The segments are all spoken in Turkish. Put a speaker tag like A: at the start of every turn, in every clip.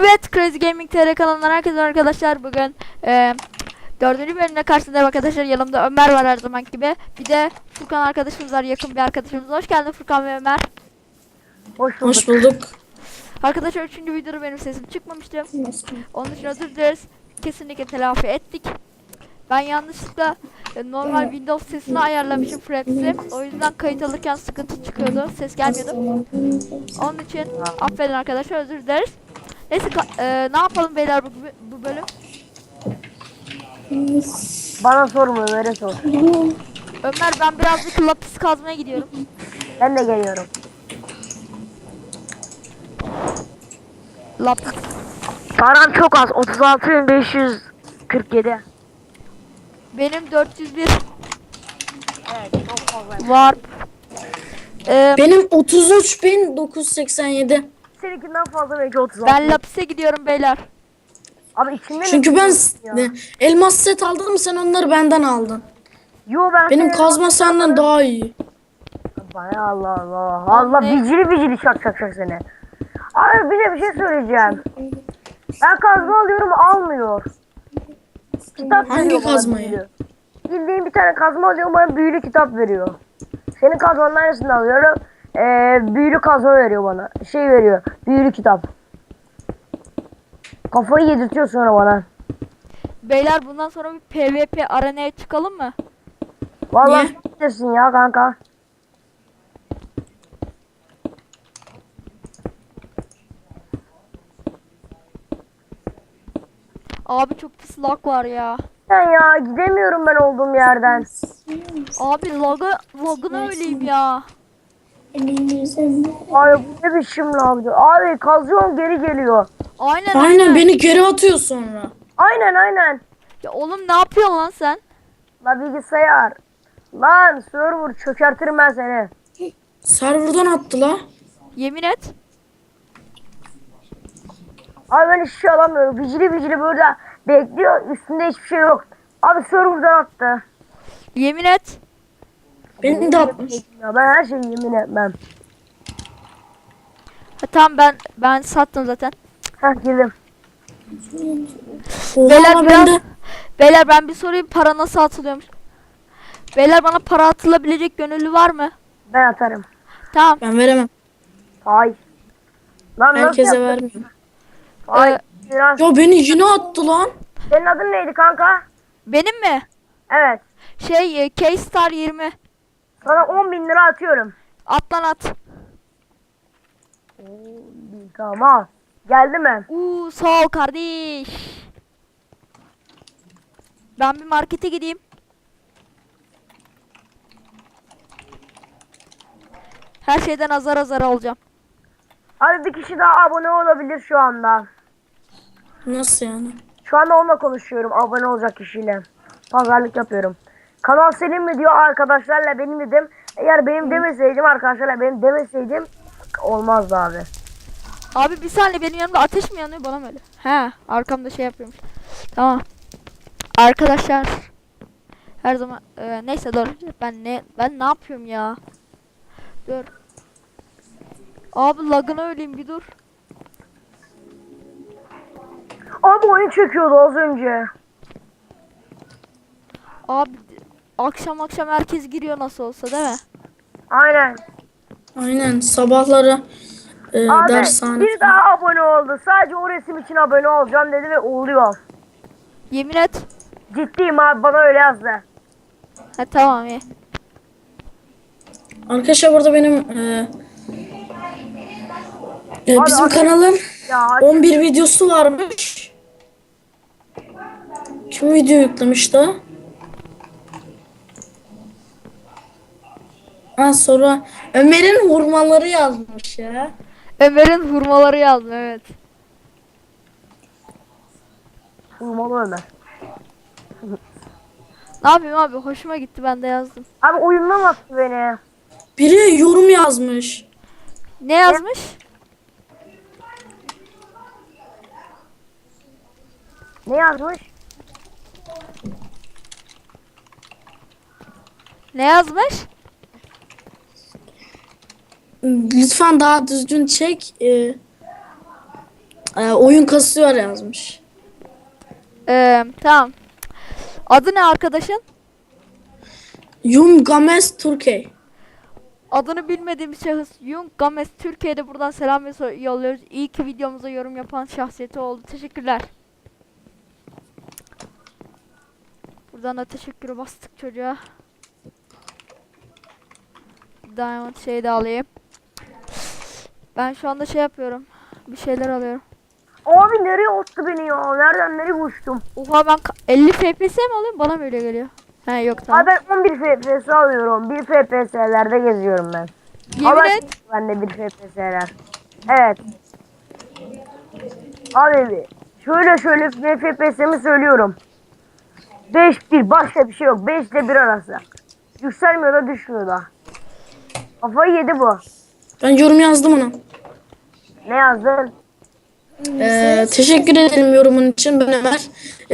A: Evet, Crazy Gaming TR kanalından herkese arkadaşlar. Bugün 4. bölümde karşınızdayım arkadaşlar. Yanımda Ömer var her zaman gibi. Bir de Furkan arkadaşımız var, yakın bir arkadaşımız. Hoş geldin Furkan ve Ömer.
B: Hoş bulduk.
C: Hoş bulduk.
A: Arkadaşlar 3. videoda benim sesim çıkmamıştı. Onun için özür dileriz. Kesinlikle telafi ettik. Ben yanlışlıkla normal Windows sesini ayarlamışım, Fraps'i. O yüzden kayıt alırken sıkıntı çıkıyordu. Ses gelmiyordu. Onun için affedin arkadaşlar, özür dileriz. Neyse ne yapalım beyler bu bölüm?
B: Bana sorma, Ömer'e sor.
A: Ömer, ben birazcık lapis kazmaya gidiyorum.
B: Ben de geliyorum.
A: Lapis.
B: Param çok az. 36.547.
A: Benim 401
B: Evet, çok fazla.
A: var.
C: Benim 33.987.
B: Seninkinden fazla, belki 36.
A: Ben lapise gidiyorum beyler.
B: Abi içinde
C: Çünkü
B: ne
C: ben
B: ya?
C: elmas set aldım, sen onları benden aldın.
B: Yo, ben
C: Benim
B: senin-
C: kazma senden daha iyi.
B: Bana Allah Allah. Allah
A: Ne?
B: vicili şak seni. Abi bize bir şey söyleyeceğim. Ben kazma alıyorum, almıyor. Kitap
C: Hangi
B: veriyor bana,
C: kazmayı?
B: büyülü. Bildiğim bir tane kazma alıyorum, bana büyülü kitap veriyor. Senin kazmanın aynısını alıyorum. Büyülü kazma veriyor bana. Şey veriyor. Büyülü kitap. Kafayı yedirtiyor sonra bana.
A: Beyler, bundan sonra bir PvP arenaya çıkalım mı?
B: Vallahi
C: Niye?
B: bilirsin ya kanka.
A: Abi çok pis lag var ya.
B: Ben ya gidemiyorum ben olduğum yerden.
A: Abi lagına öleyim ya.
B: Abi bu ne biçim lavdı. Abi kazıyorum, geri geliyor.
C: Aynen, beni geri atıyor sonra.
B: Aynen.
A: Ya oğlum, ne yapıyorsun lan sen?
B: La bilgisayar. Lan server çökertirim ben seni.
C: Serverdan attı la.
A: Yemin et.
B: Abi ben hiçbir şey alamıyorum. Vicili böyle bekliyor. Üstünde hiçbir şey yok. Abi serverdan attı.
A: Yemin et.
C: Beni de atmış.
B: Ya ben her şeyi yemin etmem.
A: Ha, tamam, ben sattım zaten.
B: Heh, girdim.
A: Beyler
C: Oha,
A: biraz,
C: ben de.
A: beyler ben bir sorayım, para nasıl atılıyormuş? Beyler, bana para atılabilecek gönüllü var mı?
B: Ben atarım.
A: Tamam.
C: Ben veremem.
B: Ay. Lan nasıl
C: Herkese
B: yaptın?
C: vermiyorum.
B: Ay. Biraz.
C: Ya beni yine attı lan.
B: Senin adın neydi kanka?
A: Benim mi?
B: Evet.
A: K-Star 20.
B: Sana 10.000 lira atıyorum.
A: At lan at.
B: Tamam. Geldi mi?
A: Sağ ol kardeş. Ben bir markete gideyim. Her şeyden azar azar alacağım.
B: Abi bir kişi daha abone olabilir şu anda.
C: Nasıl yani?
B: Şu anda onunla konuşuyorum, abone olacak kişiyle. Pazarlık yapıyorum. Kanal senin mi diyor, arkadaşlarla benim dedim. Eğer benim demeseydim, arkadaşlarla benim demeseydim olmazdı abi.
A: Abi bir saniye, benim yanımda ateş mi yanıyor, bana mı öyle? He, arkamda şey yapıyormuş. Tamam. Arkadaşlar. Her zaman neyse, dur. Ben ne yapıyorum ya? Dur. Abi lagına öleyim, bir dur.
B: Abi oyun çekiyordu az önce.
A: Abi akşam herkes giriyor nasıl olsa, değil mi?
B: Aynen.
C: Aynen, sabahları
B: Abi
C: dershane.
B: bir daha abone oldu. Sadece o resim için abone olacağım dedi ve oluyor.
A: Yemin et.
B: Ciddiyim abi, bana öyle yazdı.
A: Ha, tamam, iyi.
C: Arkadaşlar burada benim
B: Abi,
C: bizim
B: abi-
C: kanalın
B: Ya
C: 11 videosu varmış. Kim video yüklemiş daha? Ha, sonra Ömer'in hurmaları yazmış ya.
A: Ömer'in hurmaları yazdım, evet.
B: Vurmalı Ömer.
A: Ne yapayım abi, hoşuma gitti, ben de yazdım.
B: Abi oyundan attı beni.
C: Biri yorum yazmış.
A: Ne yazmış?
B: Ne yazmış?
A: Ne yazmış?
C: Lütfen daha düzgün çek. Oyun kasıyor yazmış.
A: Tamam. Adı ne arkadaşın?
C: Yum Games Türkiye.
A: Adını bilmediğim şahıs Yung Games Türkiye'de buradan selam ve yolluyoruz. İyi ki videomuza yorum yapan şahsiyeti oldu. Teşekkürler. Buradan da teşekkürü bastık çocuğa. Diamond şeyi de alayım. Ben şu anda şey yapıyorum. Bir şeyler alıyorum.
B: Abi nereye attı beni ya? Nereden nereye uçtum?
A: Oha ben 50 FPS mi alıyorum? Bana mı öyle geliyor? He yok tamam.
B: Abi ben 11 FPS alıyorum. 1 FPS'lerde geziyorum ben.
A: Yemin
B: Ama
A: et.
B: ben de 1 FPS'ler. Evet. Abi şöyle FPS'imi söylüyorum. 5-1 başka bir şey yok. 5 ile 1 arası. Yükselmiyor da düşmüyor da. Kafayı yedi bu.
C: Ben yorum yazdım ona.
B: Ne yazdın?
C: Teşekkür ederim yorumun için. Ben Ömer.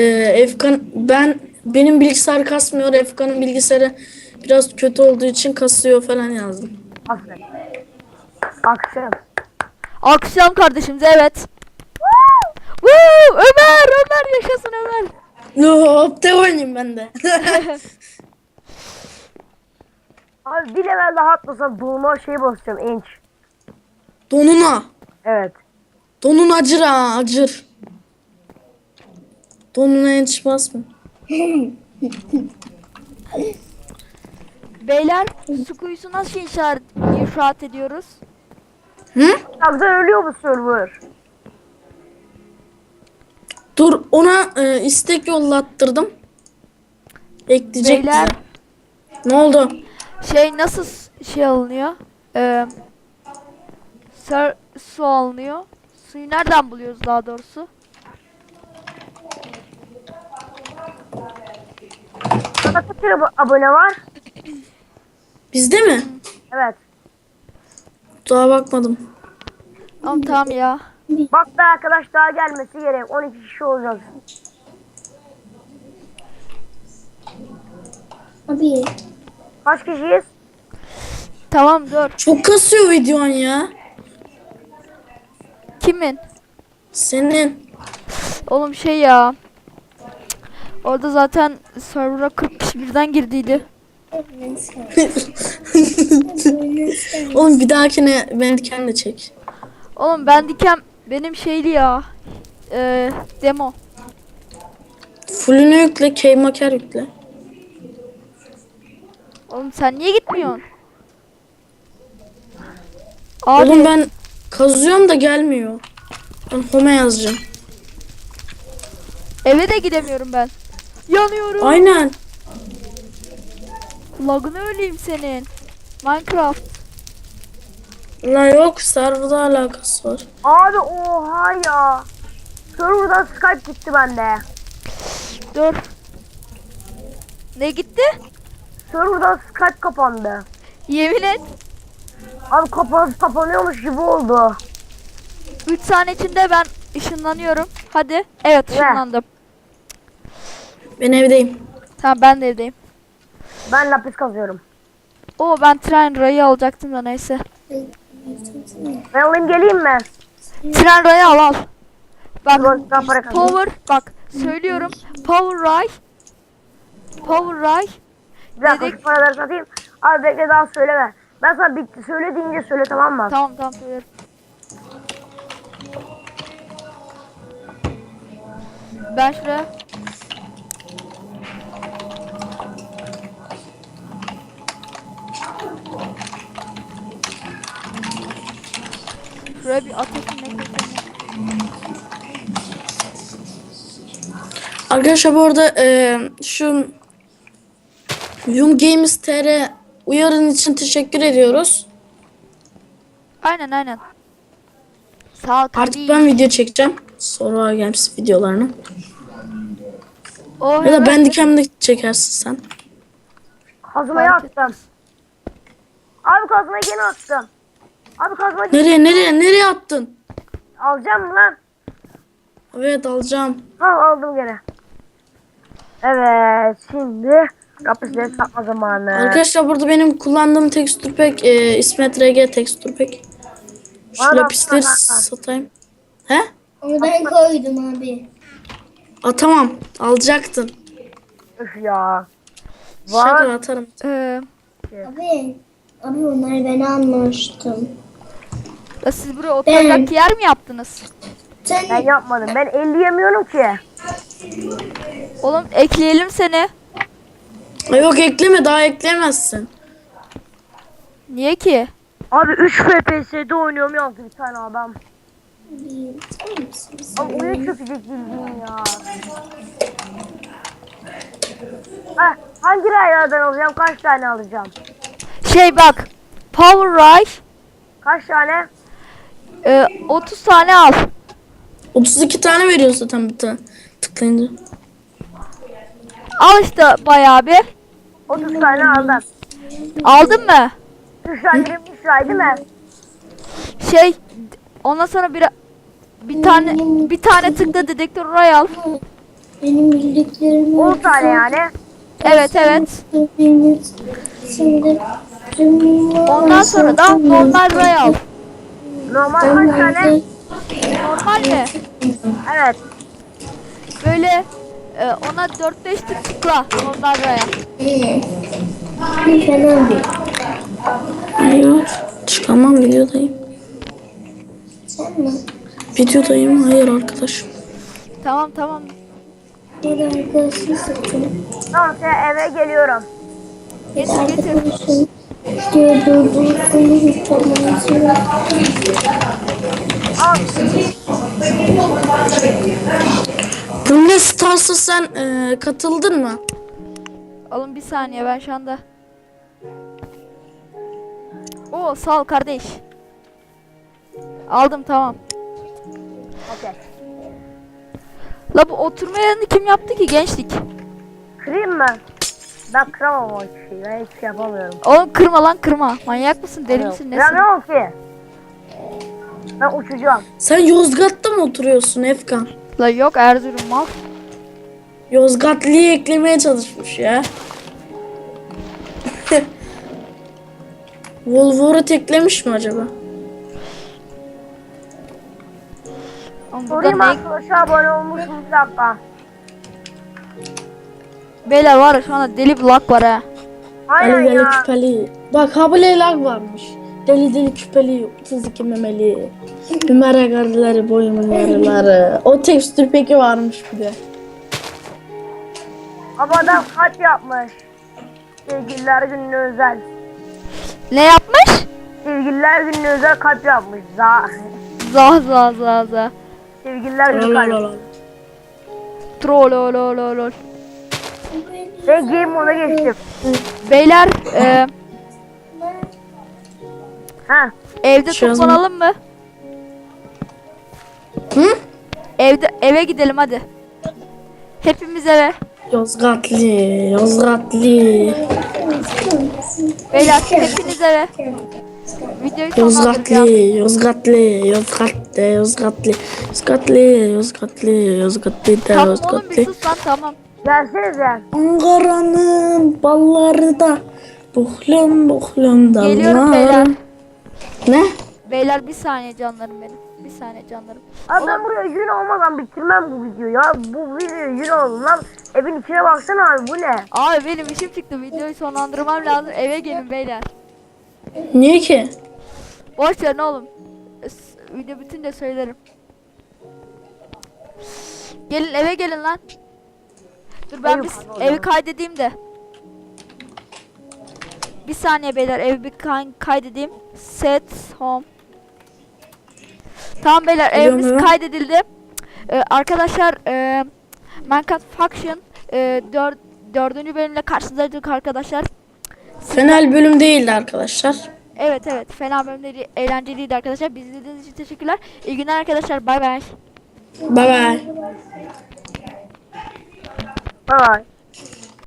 C: Benim bilgisayar kasmıyor. Efkan'ın bilgisayarı biraz kötü olduğu için kasıyor falan yazdım.
B: Aferin. Akşam.
A: Akşam kardeşimiz evet. Woo! Ömer yaşasın Ömer.
C: Hop de oynayayım ben de.
B: Abi bir level daha atlasam doğuma şey basacağım inç.
C: Donuna.
B: Evet.
C: Donun acır ha acır. Donuna yetiş basma.
A: Beyler su kuyusu nasıl inşaat ediyoruz?
C: Hı?
B: Yoksa ölüyor bu server.
C: Dur ona istek yollattırdım. Ekleyecek
A: Beyler
C: bize. Ne oldu?
A: şey nasıl şey alınıyor? Su alınıyor. Suyu nereden buluyoruz daha doğrusu?
B: Sana kaç kere abone var?
C: Bizde mi?
B: Evet.
C: Daha bakmadım.
A: Ama tamam ya.
B: Bak da arkadaş daha gelmesi gerek. 12 kişi olacak.
C: Abi.
B: Kaç kişiyiz?
A: Tamam dur.
C: Çok kasıyor videon ya.
A: Kimin?
C: Senin.
A: Oğlum şey ya. Orada zaten server'a 40 kişi birden girdiydi.
C: Oğlum bir dahakine beni kendi çek.
A: Oğlum ben dikem benim şeyli ya. Demo.
C: Fullünü yükle, keymaker yükle.
A: Oğlum sen niye gitmiyorsun? Abi
C: Oğlum ben kazıyorum da gelmiyor. Ben home yazacağım.
A: eve de gidemiyorum ben. Yanıyorum.
C: Aynen.
A: Lagını öleyim senin. Minecraft.
C: La yok serverda alakası var.
B: Abi oha ya. Server'dan Skype gitti bende.
A: Dur. Ne gitti?
B: Server'dan Skype kapandı.
A: Yemin et.
B: Abi kapanıyormuş gibi oldu.
A: 3 saniye içinde ben ışınlanıyorum. Hadi. Evet ışınlandım.
C: Ben evdeyim.
A: Tamam ben de evdeyim.
B: Ben lapis kazıyorum.
A: Oo ben tren rayı alacaktım da neyse.
B: Ben alayım geleyim mi?
A: Tren rayı al. Bak
B: Ben para kazanayım.
A: power bak söylüyorum. Power ray. Power ray.
B: Bir dakika
A: Dedik.
B: şu paraları satayım. Abi bekle daha söyleme. Ben sana bitti. Söyle deyince söyle tamam mı?
A: Tamam söylerim. Ben şuraya bir ateşin ne koyacağım.
C: Arkadaşlar bu arada şu Yum Games TR uyarın için teşekkür ediyoruz.
A: Aynen. Sağ ol
C: Artık
A: kardeşim.
C: ben video çekeceğim. Sonra Games videolarını.
A: Oh,
C: Ya da
A: evet.
C: ben dikemde çekersin sen.
B: Kazmayı
A: Fark
B: attım. Abi kazmayı gene attım. Abi kazmayı
C: Nereye attın?
B: alacağım mı lan?
C: Evet alacağım.
B: Ha aldım gene. Evet şimdi lapisleri satma zamanı.
C: Arkadaşlar burada benim kullandığım tekstür pack İsmet RG tekstür pack. Şu
B: Bana da
C: lapisleri
B: atsana.
C: satayım. He?
D: Onu ben koydum abi.
C: Atamam. Alacaktın.
B: Üf ya.
C: Şaka
B: Var.
C: atarım.
D: Abi onları ben almıştım.
A: Siz buraya oturacak yer mi yaptınız?
B: Ben
D: Sen
B: yapmadım. Ben 50 yemiyorum ki.
A: Oğlum ekleyelim seni.
C: Yok ekleme, daha ekleyemezsin.
A: Niye ki?
B: Abi 3 FPS'de oynuyorum yazdı bir tane adam.
D: sen misin?
B: Abi oyun çökecek bildiğin ya. Ha, hangi raylardan alacağım? Kaç tane alacağım?
A: Şey bak. Power Rise
B: Kaç tane?
A: 30 tane al.
C: 32 tane veriyor zaten bir tane. Tıklayınca.
A: Al işte bayağı bir.
B: 30 tane aldım.
A: Aldın mı?
B: 3 tane 23 lira değil mi?
A: Şey ondan sonra bir tane tıkla dedektör oraya al.
D: Benim bildiklerim
B: 10 tane yani.
A: Evet. Ondan sonra da normal ray al.
B: Normal kaç tane?
A: Normal mi?
B: Evet.
A: Böyle ona 4-5 tıkla normal raya.
D: Bir fena bir.
C: Hayır. Çıkamam, videodayım.
D: Sen mi?
C: Videodayım. Hayır arkadaşım.
A: Tamam.
D: Bir arkadaşın satın.
B: Tamam sen eve geliyorum.
D: Bir
A: Getir.
D: arkadaşın. Diyor durdursun. Hiç olmaması.
B: Al.
C: Brawl Stars'a sen katıldın mı?
A: Alın bir saniye ben şu anda. Oo sağ ol kardeş. Aldım tamam.
B: Okey.
A: La bu oturma yerini kim yaptı ki gençlik?
B: Kırayım mı? Ben kıramam o şeyi. Ben hiç şey yapamıyorum.
A: Oğlum kırma lan kırma. Manyak mısın deli misin nesin?
B: Kıramıyorum ki. Ben uçacağım.
C: Sen Yozgat'ta mı oturuyorsun Efkan?
A: La yok Erzurum mal.
C: Yozgatlı'yı eklemeye çalışmış ya. Wolverine eklemiş mi acaba?
A: Oğlum burada
B: Sorayım
A: ne?
B: arkadaşlar abone olmuşsunuz bir dakika.
A: Beyler var ya şu anda deli bir lag var ha.
B: Aynen
C: Deli deli
B: ya.
C: küpeli. Bak habile lag varmış. Deli deli küpeli, 32 memeli. Ömer agarları, boyumun yarıları. O tekstür peki varmış bir de.
B: Ama adam kaç yapmış. Sevgililer gününe özel.
A: Ne yapmış?
B: Sevgililer gününe özel kalp yapmış.
A: Za.
B: Sevgililer günü kalp.
C: Lalalala.
A: Troll.
B: Ben game moda geçtim.
A: Beyler
B: Ha.
A: evde
C: Şu an-
A: toplanalım mı?
C: Hı?
A: Eve gidelim hadi. Hepimiz eve.
C: Yozgatlı.
A: Beyler hepiniz eve. Videoyu sonlandıracağım.
C: Yozgatlı.
A: Tamam oğlum bir sus lan tamam.
B: Gelsenize.
C: Ankara'nın balları da buhlum
A: Geliyorum beyler.
C: dallar. Ne?
A: Beyler bir saniye canlarım benim. Bir saniye canlarım.
B: Abi ben buraya yün olmadan bitirmem bu videoyu ya. Bu video yün oldu lan. Evin içine baksana abi bu ne?
A: Abi benim işim çıktı. Videoyu sonlandırmam lazım. Eve gelin beyler.
C: Niye ki?
A: Boş verin oğlum. Video bitince söylerim. Gelin eve gelin lan. Dur ben bir evi kaydedeyim de. Bir saniye beyler evi bir kaydedeyim. Set home. Tamam beyler
C: Biliyorum
A: evimiz
C: evet.
A: kaydedildi. Arkadaşlar Minecraft Faction 4. bölümle karşınızdaydık arkadaşlar.
C: Fenel bölüm değildi arkadaşlar.
A: Evet fena bölümleri eğlenceliydi arkadaşlar. Bizi izlediğiniz için teşekkürler. İyi günler arkadaşlar. Bay bay.
C: Bye bye.
B: Bye.